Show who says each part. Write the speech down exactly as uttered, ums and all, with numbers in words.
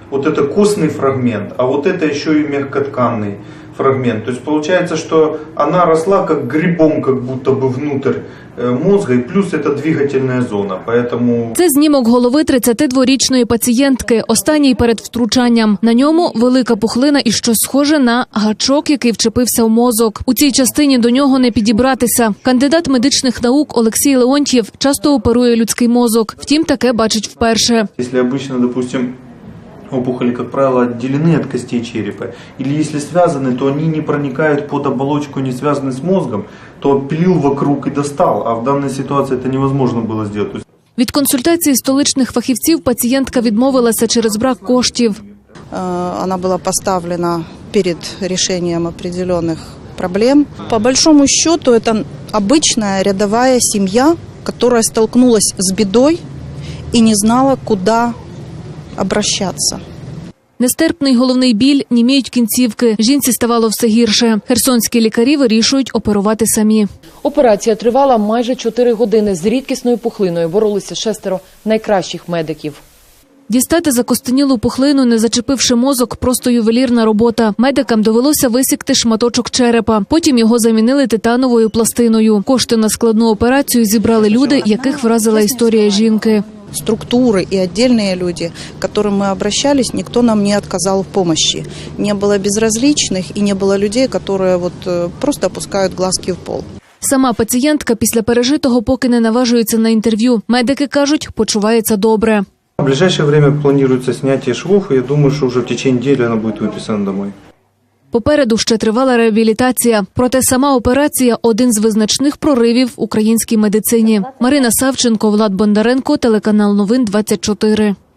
Speaker 1: вот это костный фрагмент, а вот это еще и мягкотканный фрагмент. То есть получается, что она росла как грибом, как будто бы внутрь мозга, і плюс це двигательна зона. Поэтому...
Speaker 2: Це знімок голови тридцятидворічної пацієнтки, останній перед втручанням. На ньому велика пухлина і щось схоже на гачок, який вчепився в мозок. У цій частині до нього не підібратися. Кандидат медичних наук Олексій Леонтьєв часто оперує людський мозок. Втім, таке бачить вперше.
Speaker 1: Якщо обычно, допустим, опухоли, как правило, отделены от костей черепа, или если связаны, то они не проникают под оболочку, не связаны с мозгом, то пилил вокруг и достал, а в данной ситуации это невозможно было сделать.
Speaker 2: Від консультації столичних фахівців пацієнтка відмовилася через брак коштів.
Speaker 3: Она была поставлена перед решением определенных проблем. По большому счету, это обычная рядовая семья, которая столкнулась с бедой и не знала, куда обращаться.
Speaker 2: Нестерпний головний біль, німіють кінцівки. Жінці ставало все гірше. Херсонські лікарі вирішують оперувати самі.
Speaker 4: Операція тривала майже чотири години. З рідкісною пухлиною боролися шестеро найкращих медиків.
Speaker 2: Дістати закостенілу пухлину, не зачепивши мозок, просто ювелірна робота. Медикам довелося висікти шматочок черепа. Потім його замінили титановою пластиною. Кошти на складну операцію зібрали люди, яких вразила історія жінки.
Speaker 3: Структуры и отдельные люди, к которым мы обращались, никто нам не отказал в помощи. Не было безразличных и не было людей, которые вот просто опускают глазки в пол.
Speaker 2: Сама пацієнтка після пережитого поки не наважується на інтерв'ю. Медики кажуть, почувається добре.
Speaker 1: В ближайшее время планируется снятие швов, и я думаю, что уже в течение недели она будет выписана домой.
Speaker 2: Попереду ще тривала реабілітація. Проте сама операція – один з визначних проривів в українській медицині. Марина Савченко, Влад Бондаренко, телеканал Новин двадцять чотири.